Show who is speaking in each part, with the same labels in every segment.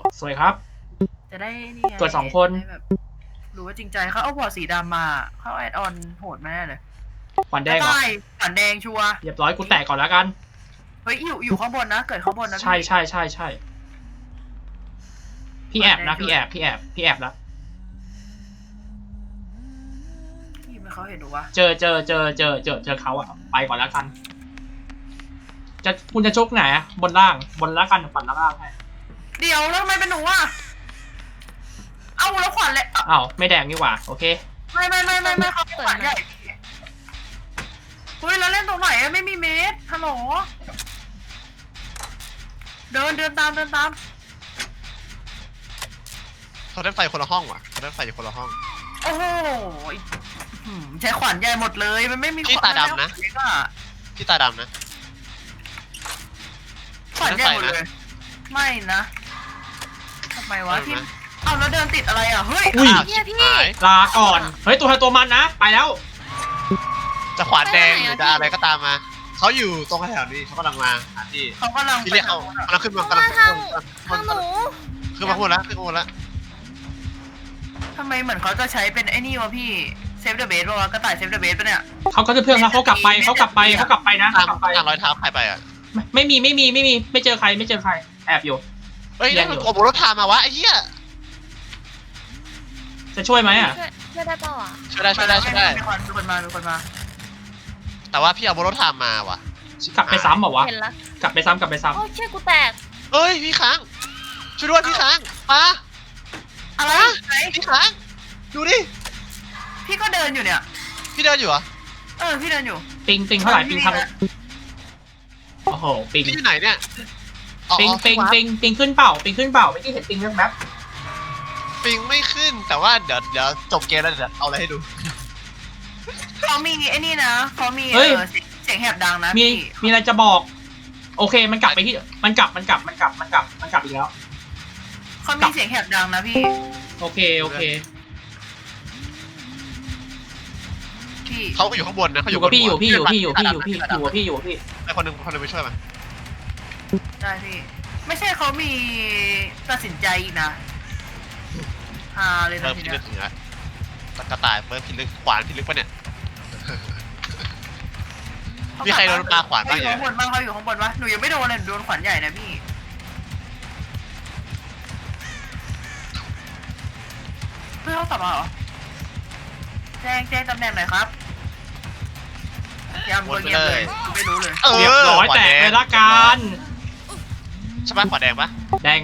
Speaker 1: สวยครับ
Speaker 2: จะได้นี่ไง
Speaker 1: เกิด2 คน
Speaker 2: แบบรู้ว่าจริงใจเขาเอาบอร์ดสีดำมาเขาแอดออนโหดมาแน่เลย
Speaker 1: ขวัญแดงเหรอ
Speaker 2: ได้ขวัญแดงชัวร์
Speaker 1: เรียบร้อยกูแตกก่อนแล้วกัน
Speaker 2: เฮ้ยอยู่ข้างบนนะเกิดข้างบนนะ
Speaker 1: ใช่พี่แอบนะพี่แอบแล้ว
Speaker 2: พี่ไม่เขาเห็นหนูวะ
Speaker 1: เจอเขาอะไปก่อนแล้วกันคุณจะชกไหนอะบนล่างแล้วกันฝันล่างให้
Speaker 2: เดี๋ยวแล้วทำไมเป็นหนูอ่ะเอาแล้วขวัญเลย
Speaker 1: อ้าวไม่แดงนี่หว่าโอเค
Speaker 2: ไม่เขาเป็นขวัญใหญ่เฮ้ยแล้วเล่นตรงไหนไม่มีเมตรฮัลโหลเดินตาม
Speaker 3: เขาได้ไฟคนละห้องว่ะเขาได้ไฟอยู่คนละห้อง
Speaker 2: โอ้โหใช้ขวัญใหญ่หมดเลยมันไม่มี
Speaker 3: พี่ตาดำนะ พี่ตาดำนะ
Speaker 2: ขวัญใหญ่หมดเลยไม่นะทำไมวะที่เอาแล้วเดินติดอะไรอ่ะเฮ้ย
Speaker 1: อุ้ย
Speaker 3: เนี่ยพี่
Speaker 1: ลาก่อนเฮ้ยตัวใครตัวมันนะไปแล้ว
Speaker 3: จะขวานแดงหรือจะอะไรก็ตามมาเขาอยู่ตรงแถวนี้เขากำลังมาหาที่
Speaker 2: เขากำลัง
Speaker 3: ที่เรียกเขากำลังขึ้นมากำลัง
Speaker 4: ทางหนู
Speaker 3: ขึ้นมาพูดแล้วขึ้นมาพูดแล้ว
Speaker 2: ทำไมเหมือนเขาจะใช้เป็นไอ้นี่วะพี่เซฟเดอะเบสป่ะวะกระต่ายเซฟเดอะเบสป่ะเนี่ย
Speaker 1: เขาก็จะเพื่อนเขากลับไปนะเขากลับไป
Speaker 3: ตามรอยเท้าใครไปอ่ะ
Speaker 1: ไม่มีไม่เจอใครแอบอยู่
Speaker 3: เฮ้ยนั่นมันโอ้โหรถทามาวะไอ้เหี้ย
Speaker 1: จะช่วยไหมอ่ะ
Speaker 4: ช่วยได้เปล่าอ่ะ
Speaker 3: ช่วยได้
Speaker 2: มีคนมา
Speaker 3: แต่ว่าพี่เอารถทามมาว่ะ
Speaker 1: กลับไปซ้ำเหรอวะ
Speaker 4: เห็นละ
Speaker 1: กลับไปซ้ำ
Speaker 4: โอ้เชี่ยกูแตก
Speaker 3: เอ้ยพี่ค้างช่วยด้วยพี่ค้างมา
Speaker 2: อะไรไหน
Speaker 3: พี่ค้างดูดิ
Speaker 2: พี่ก็เดินอยู่เนี่ย
Speaker 3: พี่เดินอยู่เหรอ
Speaker 2: พี่เดินอยู่
Speaker 1: ปิงเท่าไหร่ปิงทางโอ้โหปิง
Speaker 3: พี่อยู่ไหนเนี่ย
Speaker 1: ปิงขึ้นเปล่าไม่ที่เห็นปิงแว๊บ
Speaker 3: ปิงไม่ขึ้นแต่ว่าเดี๋ยวจบเกมแล้วเดี๋ยวเอาอะไรให้ดู
Speaker 2: เขามีไอ้นี่นะเขามีเสียงแหบดังนะ
Speaker 1: มีอะไรจะบอกโอเคมันกลับไปที่มันกลับอีกแล้ว
Speaker 2: เขามีเสียงแหบดังนะพี่
Speaker 1: โอเค
Speaker 2: พี่
Speaker 3: เขาก็อยู่ข้างบนนะเขา
Speaker 1: อ
Speaker 3: อยู่
Speaker 1: กับพี่
Speaker 3: บนหัว
Speaker 1: อยู่พี่
Speaker 3: ไอคนหนึงไปช่วยมัน
Speaker 2: ได้พี่ไม่ใช่เขามีตัดสินใจอีกนะเลย
Speaker 3: เริ่
Speaker 2: นะ
Speaker 3: ม
Speaker 2: ที
Speaker 3: พิ
Speaker 2: เนี้
Speaker 3: ลึ
Speaker 2: ย
Speaker 3: กถึงแล้วกระต่ายเริ่มพิลึกขวานพิลึกปะเนี่ยมีใครโดนปลาขวานบ้าง
Speaker 2: เขาอยู่ข้างบนบ้างเขาอยู่ข้างบนวะหนูยังไม่โดนเลยโดนขวัญใหญ่นะพี่เพื่อนเขากลับมาเหรอแจ้งตำแหน่งหน่อยครับยำตัวเงียบเลยไม่รู้เลย
Speaker 1: เรียบร้อยแตกเลยละกัน
Speaker 3: ใช่ปะขวานแดงปะ
Speaker 1: แดง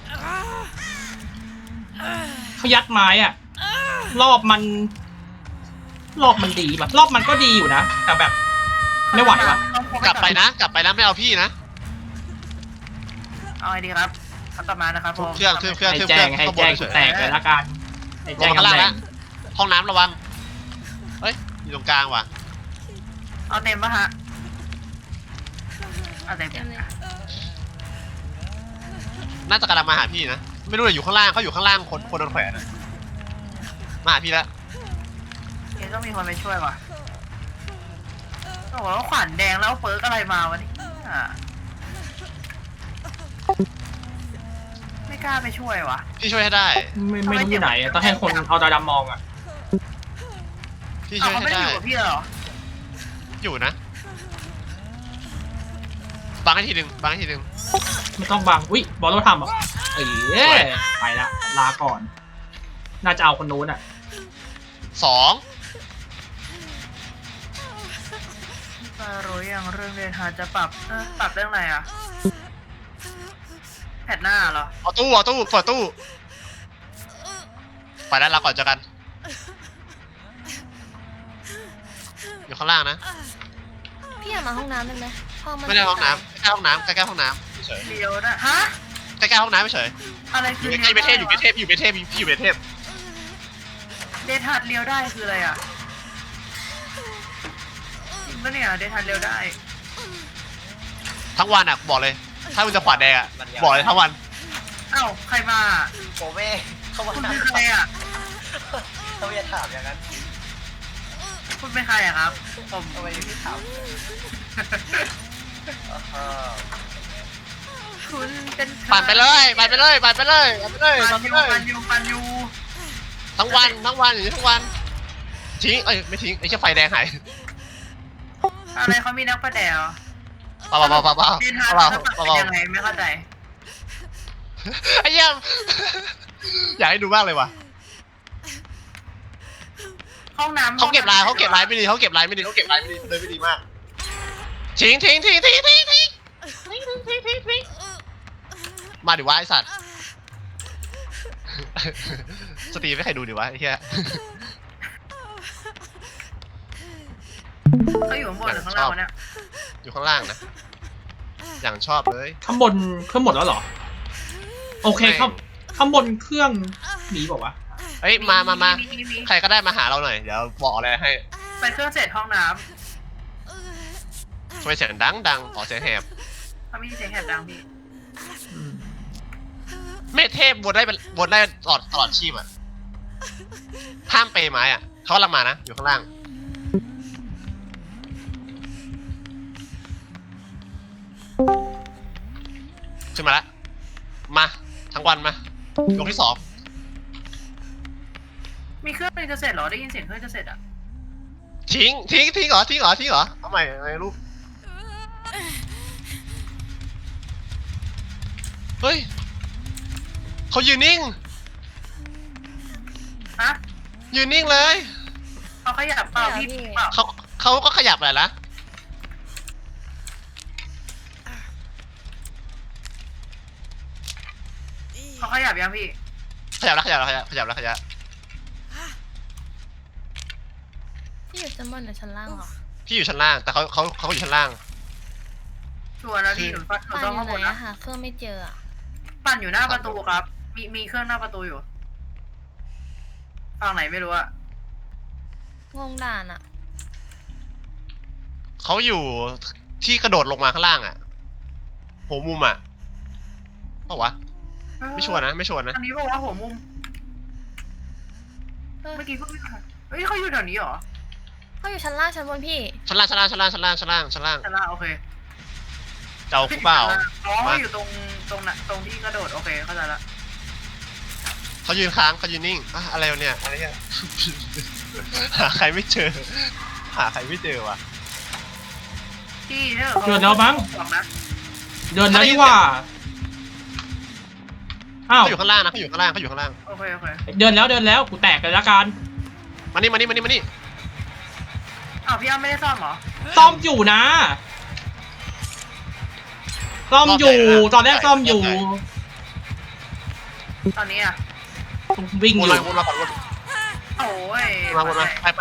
Speaker 1: เขายัดไม้อ่ะรอบมันดีป่ะรอบมันก็ดีอยู่นะแต่แบบไม่ไหวว่ะ
Speaker 3: กลับไปนะไม่เอาพี่นะ
Speaker 2: เอาไงดีครับเขากลับมานะครับผม
Speaker 3: เครื่อง
Speaker 1: ให้แจ้งกูแตกเลยละกันให้
Speaker 3: ล
Speaker 1: แจ้
Speaker 3: ง
Speaker 1: ง
Speaker 3: ข้างล่าง
Speaker 1: ตำแหน่
Speaker 3: ละ
Speaker 1: ง
Speaker 3: ห้องน้ำระวังเฮ้ยอยู่ตรงกลางว่ะ
Speaker 2: เอาเต็มปะฮะเอาเต็ม
Speaker 4: เต็มเลย
Speaker 3: น่าจะกำลังมาหาพี่นะไม่รู้เลยอยู่ข้างล่างเขาอยู่ข้างล่างคนโดนแขวนมาหาพี่แล้ว
Speaker 2: เดี๋ยวต้องมีคนไปช่วยว่ะโอ้โหขวัญแดงแล้วเปิร์กอะไรมาวะนี่ไม่กล้าไปช่วยวะ
Speaker 3: พี่ช่วยให้ได้
Speaker 1: ไม่รู้ที่ไหนต้องให้คนเอาตาดำมองอ่ะ
Speaker 3: พี่ช่วย
Speaker 2: เขา
Speaker 3: ให้
Speaker 2: ไม่ได้
Speaker 3: ได้
Speaker 2: อยู่กับพี่เหรอ
Speaker 3: อยู่นะบังให้ทีหนึ่ง
Speaker 1: ไม่ต้องบังอุ้ยบอลเราทำอ่ะไปละลาก่อนน่าจะเอาคนนู้นอ่ะ
Speaker 3: 2
Speaker 2: รู้ยังเรื่องเรียนหาจะปรับเรื่องอะไรอ่ะแผ่นหน้าเหรอ
Speaker 3: เอาตู้เปิดตู้ไปแล้วลาก่อนเจอกันอยู่ข้างล่างนะ
Speaker 4: พี่อยากมาห้องน้ำได้ไหมห้องมัน
Speaker 3: ไม่ได้ห้องน้ำใกล้ห้องน้ำเฉย
Speaker 2: เดียวนะฮะ
Speaker 3: ใกล้ห้องน้ำเฉย
Speaker 2: อะไร
Speaker 3: อ
Speaker 2: คื
Speaker 3: ยู่
Speaker 2: อ
Speaker 3: ใกล้เบเทพอยู่เบเทพพี่อยู่เบเทพ
Speaker 2: เดทฮัดเลี้ยวได้คืออะไรอ่ะจริงปะเนี่ยเดทฮัดเลี้ยวได้
Speaker 3: ทั้งวันอ่ะบอกเลย ถ้ามึงจะขวานแดงอ่ะบอกเลยทั้งวัน
Speaker 2: เอ้าใครมา
Speaker 5: โอเม่เขามา
Speaker 2: คุณ
Speaker 5: ถาม
Speaker 2: เป็นใครอ่ะ
Speaker 5: เขาจะถามอย่างนั้น
Speaker 2: คุณเป็นใครอ่ะครับผม
Speaker 5: ทำไมพี่ถาม
Speaker 2: คุณเป็น
Speaker 3: ปั่นไปเลยปั่นไปเลยปั่นไปเลยปั่นไปเลยปั่นไปเลย
Speaker 2: ปันยู
Speaker 3: ทั้งวันอย่างนี้ทั้งวันทิ้งไม่ทิ้งไอ้เชี่ยไฟแดงหาย
Speaker 2: อะไรเขามีนักประแดว
Speaker 3: เปล่า
Speaker 2: ดินทางเป็นยังไงไม่เข้าใจ
Speaker 3: ไอ้เหี้ยอยากให้ดูมากเลยว่ะ
Speaker 2: ห้องน้ำ
Speaker 3: เขาเก็บลายไม่ดีเขาเก็บลายไม่ดีเลยไม่ดีมากทิ้งมาดิวะไอสัตว์สตรีไม่ใครดูดิวะไอ้เหี้ย
Speaker 2: เขาอยู่ข้างบนหรือข้างล่างเนี่ย
Speaker 3: อยู่ข้างล่างนะอย่างชอบเลย
Speaker 1: ข้างบนเครื่องหมดแล้วเหรอโอเคข้างบนเครื่องมีบอกว่าวะ
Speaker 3: เฮ้ยมาใครก็ได้มาหาเราหน่อยเดี๋ยวบอกอะไรให้
Speaker 2: ไปเครื่องเสร็จห้องน้
Speaker 3: ทำไมเสียงดังออกเสียงแหบ
Speaker 2: ำเขาไม่มีเสียงแหบดังพี่
Speaker 1: อืม
Speaker 3: เมธเทพบนได้ตลอดชีพอ่ะห้ามเปย์ไม้อ่ะเขากำลังมานะอยู่ข้างล่างขึ้นมาแล้วมาทั้งวันมายกที่สอง
Speaker 2: มีเครื่องนึงจะเสร็จเหรอได้ยินเสียงเครื่องจะเสร็จอ่ะ
Speaker 3: ทิ้งเหรอเอาใหม่ลูกเฮ้ยเขายืนนิ่ง
Speaker 2: ฮะ
Speaker 3: ยืนนิ่งเลย
Speaker 2: เขาขยับเปล่าพี่เปล่า
Speaker 3: เขาก็ขยับแหละนะ
Speaker 2: เขาขยับยังพี่
Speaker 3: ขยับ
Speaker 4: พี่อยู่ชั้นบนหรือชั้นล่างเหรอ
Speaker 3: พี่อยู่ชั้นล่างแต่เขาอยู่ชั้นล่าง
Speaker 2: ชัวร์แล้วพี่หนู
Speaker 4: ปั่น
Speaker 2: ต้อง
Speaker 4: อยู่
Speaker 2: ข้าง
Speaker 4: ไห
Speaker 2: บ
Speaker 4: น
Speaker 2: น
Speaker 4: อะ
Speaker 2: นะ
Speaker 4: หาเครื่องไม่เจออะ
Speaker 2: ปั่นอยู่หน้าประตูครับ มีเครื่องหน้าประตูอยู่ฝั่งไหนไม่รู้อะ
Speaker 4: งงด่านอะ
Speaker 3: เขาอยู่ที่กระโดดลงมาข้างล่างอ่ะหัวมุมอ่ะเปล่าวะไม่ชัวร์นะ
Speaker 2: อันนี้บอกว่าหัวมุม
Speaker 4: เออ
Speaker 2: เมื่อกี้เพิ่งเฮ้ยเขาอยู่แถวนี้เหรอ
Speaker 4: เขาอยู่ชั้นล่างชั้นบนพี่
Speaker 3: ชั้นล่าง
Speaker 2: ชั้นล่างโอเค
Speaker 3: เจ้าคู่เปล่า
Speaker 2: อ๋อ
Speaker 3: มา
Speaker 2: อยู่ตรงที่กระโดดโอเคเข้าใจละ
Speaker 3: เขายืนค้างเขายืนนิ่งอะอะไรวะเนี่ยอะไรเนี่ยหาใครไม่เจอวะ
Speaker 2: พี่เนี่ย
Speaker 1: เดินแล้วมั้ง
Speaker 2: บอกนะ
Speaker 1: เดินแล้วนี่ว่าอ้าว
Speaker 3: เขาอยู่ข้างล่างนะเขาอยู่ข้างล่าง
Speaker 2: โอเค
Speaker 1: เดินแล้วกูแตกเลยละกัน
Speaker 3: มานี่
Speaker 2: อ้าวพี่อ้ำไม่ได้ซ่อมเหรอ
Speaker 1: ซ่อมอยู่นะซ่อมอยู่ตอนแรกซ่อมอยู่
Speaker 2: ตอนนี้อะ
Speaker 1: วิ่ง
Speaker 3: ว
Speaker 1: อน ยู่
Speaker 3: มาก่อนวน
Speaker 2: โอ้ย
Speaker 3: มาไป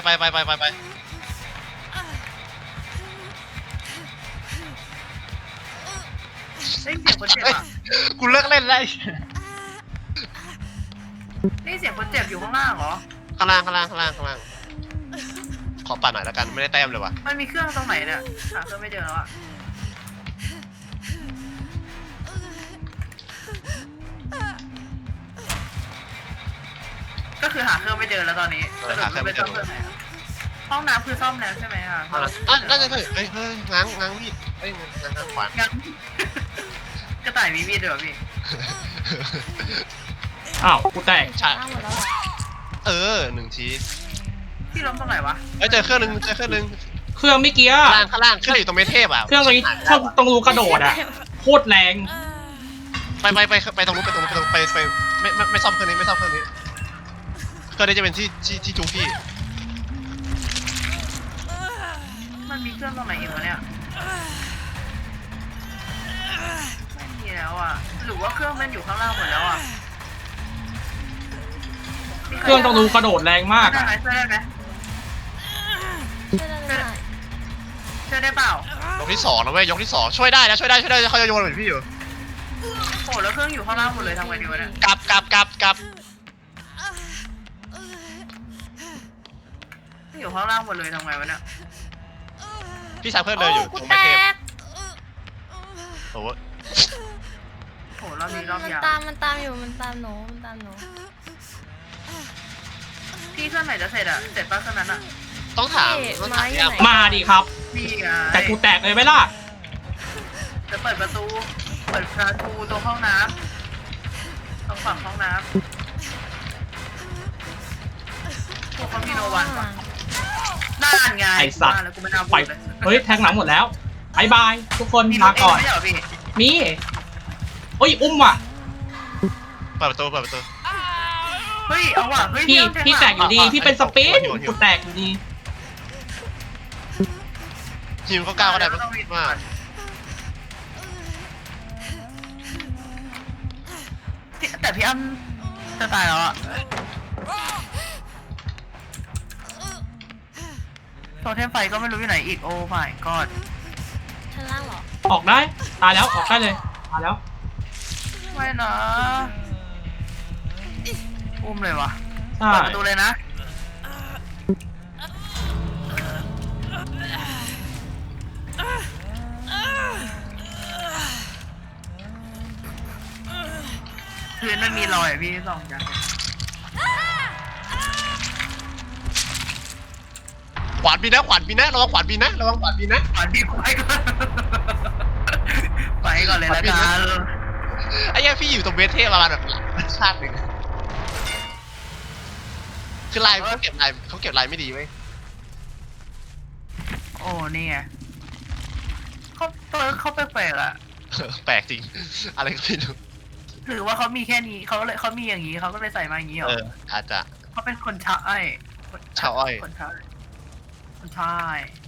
Speaker 2: ได้ยินเสียงคนเจ็บอะ
Speaker 3: กูเลิกเล่นแล้ว
Speaker 2: ได้ยินเสียงคนเจ็บอยู่ข้างล่างเหรอ
Speaker 3: ข้างล่างขอปั่นหน่อยแล้วกันไม่ได้แต้มเลยว่ะ
Speaker 2: มันมีเครื่องตรงไหนเนี่ยหาเครื่องไม่เจอแล้วอะก็คือหาเครื่องไม่เจอแล้วตอนนี้ห้องน้ำคือซ่อมแล้วใช่ไหมคะ
Speaker 3: น่าจะเฮ้ยง้างมีดง้างขวาน
Speaker 2: งั้นกระต่ายมีมีดด้วยเหรอพี่
Speaker 1: อ้าวกูแตก
Speaker 3: ใช่
Speaker 4: ล่างหมดแล้วเหรอ
Speaker 3: 1 ที
Speaker 2: พี่ล้มตรงไหนวะ
Speaker 3: เจอเครื่องนึง
Speaker 1: เครื่องเมื่อกี้
Speaker 3: ข้างล่างขึ้นอยู่ตรงเมเทพอ่ะ
Speaker 1: เครื่องตรงนี้ตรงรูกระโดดอะโคตรแรง
Speaker 3: ไปตรงนู้นไปไม่ซ่อมเครื่องนี้เครื่องนี้จะเป็นที่จูพี่
Speaker 2: มันมีเครื่องตรงไหนอีกวะเนี่ยไม่มีแล้วอ่ะหรือว่าเครื่องมันอยู่ข้างล่างหมดแล้วอ่ะ
Speaker 1: เครื่องตรงรูกระโดดแรงมาก
Speaker 2: ได้
Speaker 1: อะ
Speaker 2: ไหมช่วยได้ไหม
Speaker 4: ช่วยได้
Speaker 2: ช่วยได้เปล่าย
Speaker 3: กที่2นะเว้ยยกที่2ช่วยได้เขาจะโยนเหมือนพี่อยู่
Speaker 2: โอ้แล้วเครื่องอยู่ข้างล่างหมดเลยทำไงดีวะเนี่ย
Speaker 3: กลับ
Speaker 2: อยู่ข้างล่างหมดเลยทำไงวะเนี่ย
Speaker 3: พี่ชายเพื่อนเดินอยู่
Speaker 4: โกู
Speaker 3: ตรง
Speaker 4: แต
Speaker 3: เมเทพ
Speaker 4: ก
Speaker 3: โอ้โห
Speaker 2: โอ้รอบนี้รอบ
Speaker 4: มัน
Speaker 2: ยาว
Speaker 4: มันตามอยู่มันตามหนู
Speaker 2: พี่เครื่องไหนจะเสร็จอ่ะเสร็จป่ะเครื่องนั้นอ่ะ
Speaker 3: ต้องถามพี่อ้ำ
Speaker 1: มาดิครับ
Speaker 2: พี่ไง
Speaker 1: แต่กูแตกเลยไหมล่ะ
Speaker 2: จะเปิดประตูปิดประตูตรงห้องน้ำตรงฝั่งห้องน้ำพวกเขามีโนวันปะน่านไง
Speaker 1: ไอ้สัตว์
Speaker 2: ว่าแล้วกูไม่น่าพู
Speaker 1: ไป
Speaker 2: ดเลย
Speaker 1: เฮ้ยแทงหลังหมดแล้วบายบายทุกคน
Speaker 2: มี
Speaker 1: ลาก่อน
Speaker 2: ไม่ใช่เหรอพี่
Speaker 1: มีเฮ้ยอุ้มว่ะ
Speaker 3: เปิดประตูเปิดประตู
Speaker 2: เฮ้ยเอาว่ะเฮ้ย
Speaker 1: พี่
Speaker 2: เอาเท่
Speaker 1: พี่แตกอยู่ดี
Speaker 3: อ่ะ
Speaker 1: พี่เป็นสปิน
Speaker 3: หิว
Speaker 1: กูแตกอยู่ดี
Speaker 3: ทีมเขาก้าวก็ได้มาก
Speaker 2: แต่พี่อ้ำจะตายแล้วอะโทเทมไฟก็ไม่รู้อยู่ไหนอีกโอ้ my god
Speaker 4: ชั้นล่างเหรอ
Speaker 1: ออกได้ตายแล้วออกได้เลยตายแล้ว
Speaker 2: ไม่นะอุ้มเลยวะ
Speaker 1: ใช่
Speaker 2: เปิดประตูเลยนะพื้นมันมีรอยอะพี่สองอย่าง
Speaker 3: ขวานปีนะขวานปีนะระวังขวานปีนะระวังขวานปีนะ
Speaker 2: ขวานพี่ไปก่อนไปก่อนเลยละกัน
Speaker 3: ไอ้เหี้ยพี่อยู่ตรงเวทเทพประมาณแบบชาติหนึ่งคือลายเขาเก็บลายไม่ดีเว้ย
Speaker 2: โอ้นี่ไงเขาแปลกๆอะ
Speaker 3: แปลกจริง อะไรก็ไม่รู้
Speaker 2: หรือว่าเขามีแค่นี้เขามีอย่างนี้เขาก็เลยใส่มาอย่างนี้เหรอ
Speaker 3: อาจจะ
Speaker 2: เขาเป็นคนชาย
Speaker 3: ชาวอ้อย
Speaker 2: คนชาย